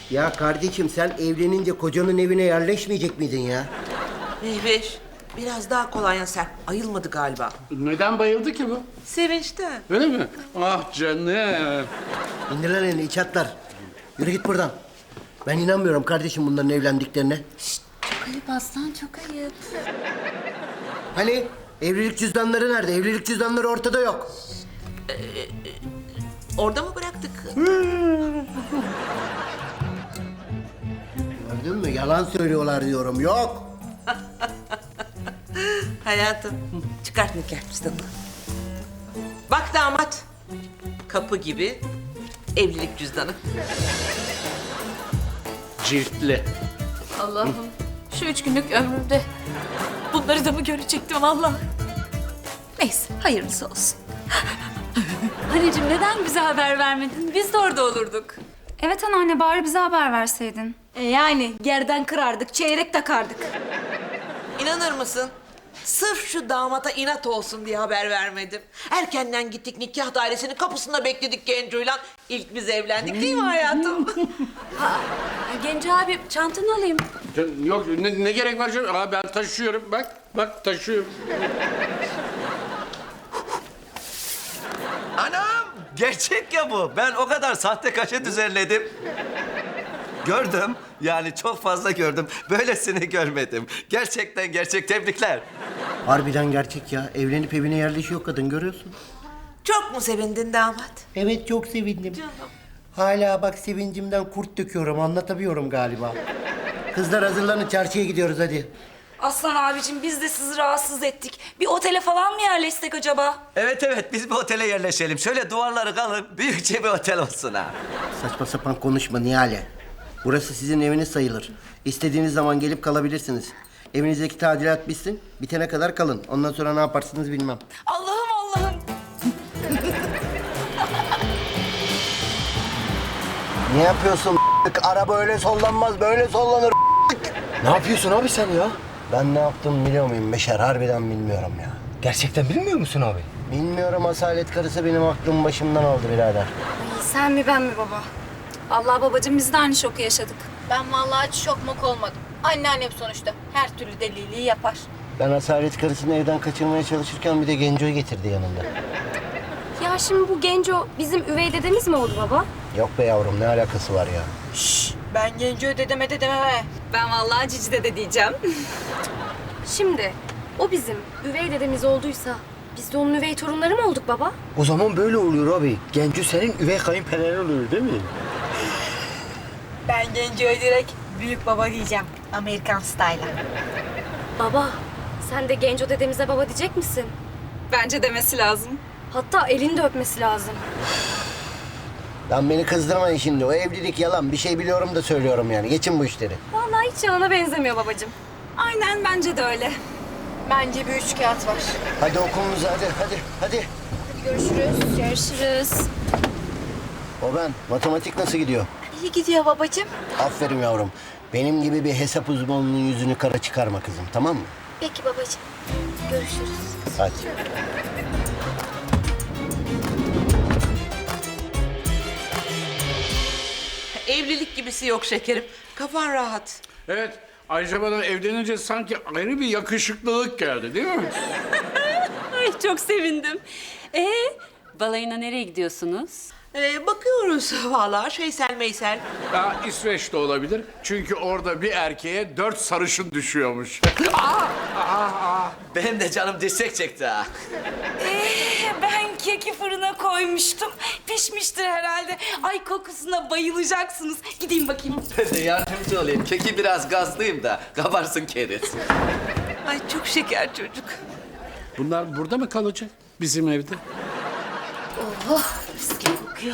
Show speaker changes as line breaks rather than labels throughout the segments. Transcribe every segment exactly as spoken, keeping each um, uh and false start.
Ya kardeşim sen evlenince kocanın evine yerleşmeyecek miydin ya?
Mehveş, biraz daha kolay sen. Ayılmadı galiba.
Neden bayıldı ki bu?
Sevinçten.
Öyle mi? Ah canım.
İndir lan elini iç atlar. Yürü git buradan. Ben inanmıyorum kardeşim bunların evlendiklerine.
Çok ayıp aslan, çok ayıp.
Hani evlilik cüzdanları nerede? Evlilik cüzdanları ortada yok.
Orada mı bıraktık?
Gördün mü? Yalan söylüyorlar diyorum. Yok.
Hayatım, çıkart nikah cüzdanını. Bak damat, kapı gibi evlilik cüzdanı.
Ciltli.
Allah'ım, şu üç günlük ömrümde bunları da mı görecektim Allah? Neyse, hayırlısı olsun.
Anneciğim neden bize haber vermedin? Biz de orada olurduk.
Evet anneanne bari bize haber verseydin.
E yani gerden kırardık, çeyrek takardık.
İnanır mısın? Sırf şu damata inat olsun diye haber vermedim. Erkenden gittik nikah dairesinin kapısında bekledik Genco'yla. İlk biz evlendik değil mi hayatım?
Genco abi çantanı alayım.
Can- Yok ne, ne gerek var canım? Aa, ben taşıyorum bak. Bak taşıyorum.
Anam! Gerçek ya bu. Ben o kadar sahte kaşe düzenledim. Gördüm. Yani çok fazla gördüm. Böylesini görmedim. Gerçekten gerçek. Tebrikler.
Harbiden gerçek ya. Evlenip evine yerleşiyor kadın görüyorsun.
Çok mu sevindin damat?
Evet çok sevindim. Hala bak sevincimden kurt döküyorum. Anlatabiliyorum galiba. Kızlar hazırlanın çarşıya gidiyoruz hadi.
Aslan abicim biz de sizi rahatsız ettik. Bir otele falan mı yerleşsek acaba?
Evet evet biz bir otele yerleşelim. Şöyle duvarları kalın. Büyükçe bir otel olsun ha.
Saçma sapan konuşma Nihale. Burası sizin eviniz sayılır. İstediğiniz zaman gelip kalabilirsiniz. Evinizdeki tadilat bitsin. Bitene kadar kalın. Ondan sonra ne yaparsınız bilmem.
Allah'ım Allah'ım.
Ne yapıyorsun? Araba öyle sollanmaz, böyle sollanır.
Ne yapıyorsun abi sen ya?
Ben ne yaptım biliyor muyum Beşer? Harbiden bilmiyorum ya.
Gerçekten bilmiyor musun abi?
Bilmiyorum, asalet karısı benim aklımı başımdan aldı birader.
Sen mi ben mi baba? Allah babacığım biz de aynı şoku yaşadık.
Ben vallahi hiç şok mok olmadım. Anneannem sonuçta her türlü deliliği yapar.
Ben asalet karısını evden kaçırmaya çalışırken bir de Genco'yu getirdi yanında.
Ya şimdi bu Genco bizim üvey dedemiz mi oldu baba?
Yok be yavrum, ne alakası var ya?
Ben Genco dedeme dedeme.
Ben vallahi Cici dede diyeceğim. Şimdi o bizim üvey dedemiz olduysa biz de onun üvey torunları mı olduk baba?
O zaman böyle oluyor abi. Genco senin üvey kayınpederin oluyor değil mi?
Ben Genco'ya direkt büyük baba diyeceğim. Amerikan style'a.
Baba sen de Genco dedemize baba diyecek misin?
Bence demesi lazım.
Hatta elini de öpmesi lazım.
Lan beni kızdırmayın şimdi. O evlilik yalan. Bir şey biliyorum da söylüyorum yani. Geçin bu işleri.
Vallahi hiç yalana benzemiyor babacığım.
Aynen bence de öyle.
Bence bir üç kağıt var.
Hadi okulunuza hadi hadi hadi.
Görüşürüz. Görüşürüz.
O ben. Matematik nasıl gidiyor?
İyi gidiyor babacığım.
Aferin yavrum. Benim gibi bir hesap uzmanının yüzünü kara çıkarma kızım, tamam mı?
Peki babacığım. Görüşürüz.
Hadi.
Evlilik gibisi yok şekerim. Kafan rahat.
Evet. Ayrıca bana evlenince sanki ayrı bir yakışıklılık geldi değil mi?
Ay çok sevindim. Ee, balayına nereye gidiyorsunuz?
Ee, bakıyoruz vallahi şeysel meysel.
Ya İsveç'te olabilir. Çünkü orada bir erkeğe dört sarışın düşüyormuş.
Benim de canım dirsek çekti ha.
Ee, ben keki fırına koymuştum. Pişmiştir herhalde. Ay kokusuna bayılacaksınız. Gideyim bakayım.
Ben de yardımcı olayım. Keki biraz gazlıyım da kabarsın keriz.
Ay çok şeker çocuk.
Bunlar burada mı kalacak? Bizim evde.
Mis gibi kokuyor.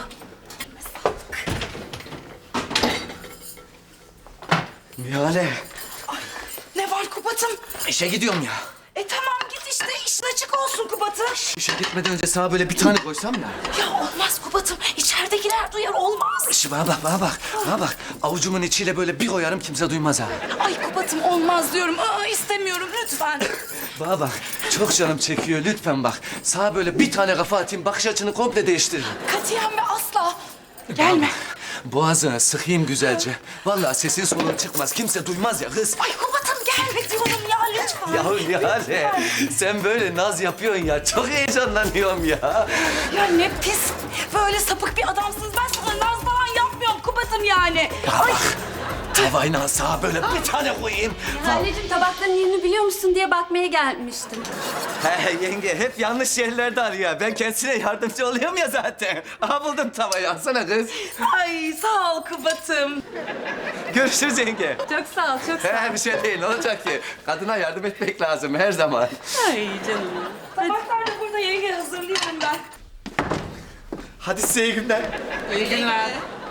Nihale.
Ne var Kubat'ım?
İşe gidiyorum ya.
E tamam git işte. İşin açık olsun Kubat'ım.
İşe gitmeden önce sana böyle bir tane koysam ya.
Ya olmaz Kubat'ım. İçeridekiler duyar olmaz.
Şu bana bak, bana bak, bana bak. Avucumun içiyle böyle bir koyarım kimse duymaz ha.
Ay Kubat'ım olmaz diyorum. Aa, istemiyorum lütfen.
Bana bak, çok canım çekiyor lütfen bak. Sağa böyle bir tane kafa atayım, bakış açını komple değiştiririm.
Katiyen ve asla. Gelme.
boğazına sıkayım güzelce. Vallahi sesin solun çıkmaz. Kimse duymaz ya kız.
Ay Kubat'ım gelme diyorum ya lütfen.
Ya Nihale, sen böyle naz yapıyorsun ya. Çok heyecanlanıyorum ya.
Ya ne pis, böyle sapık bir adamsınız. Ben sana naz falan yapmıyorum Kubat'ım yani. Ay.
Tavayla sağa böyle bir tane koyayım.
Anneciğim tabakların yerini biliyor musun diye bakmaya gelmiştim.
He yenge, hep yanlış yerlerde arıyor. Ben kendisine yardımcı oluyorum ya zaten. Aha buldum tavayı, alsana kız.
Ay sağ ol Kubat'ım.
Görüşürüz yenge.
Çok sağ ol, çok sağ ol.
He bir şey değil, ne olacak ki? Kadına yardım etmek lazım her zaman.
Ay canım. Tabaklar da burada yenge hazırlıyorum ben.
Hadi size iyi günler.
İyi günler.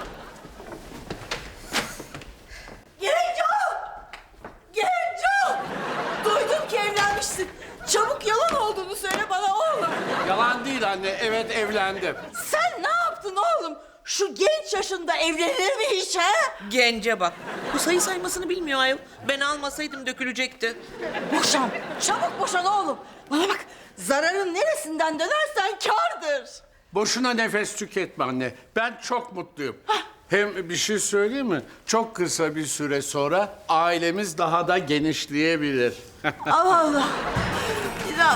Genco! Genco! Duydum ki evlenmişsin. Çabuk yalan olduğunu söyle bana oğlum.
Yalan değil anne, evet evlendim.
Sen ne yaptın oğlum? Şu genç yaşında evlenir mi hiç ha?
Gence bak. Bu sayı saymasını bilmiyor ayol. Ben almasaydım dökülecekti.
Boşan. Çabuk boşan oğlum. Bana bak. Zararın neresinden dönersen kârdır.
Boşuna nefes tüketme anne. Ben çok mutluyum. Hem bir şey söyleyeyim mi? Çok kısa bir süre sonra ailemiz daha da genişleyebilir.
Allah Allah. İnan.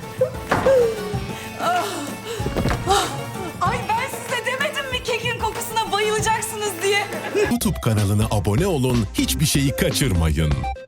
Ay ben size demedim mi kekin kokusuna bayılacaksınız diye.
YouTube kanalına abone olun, hiçbir şeyi kaçırmayın.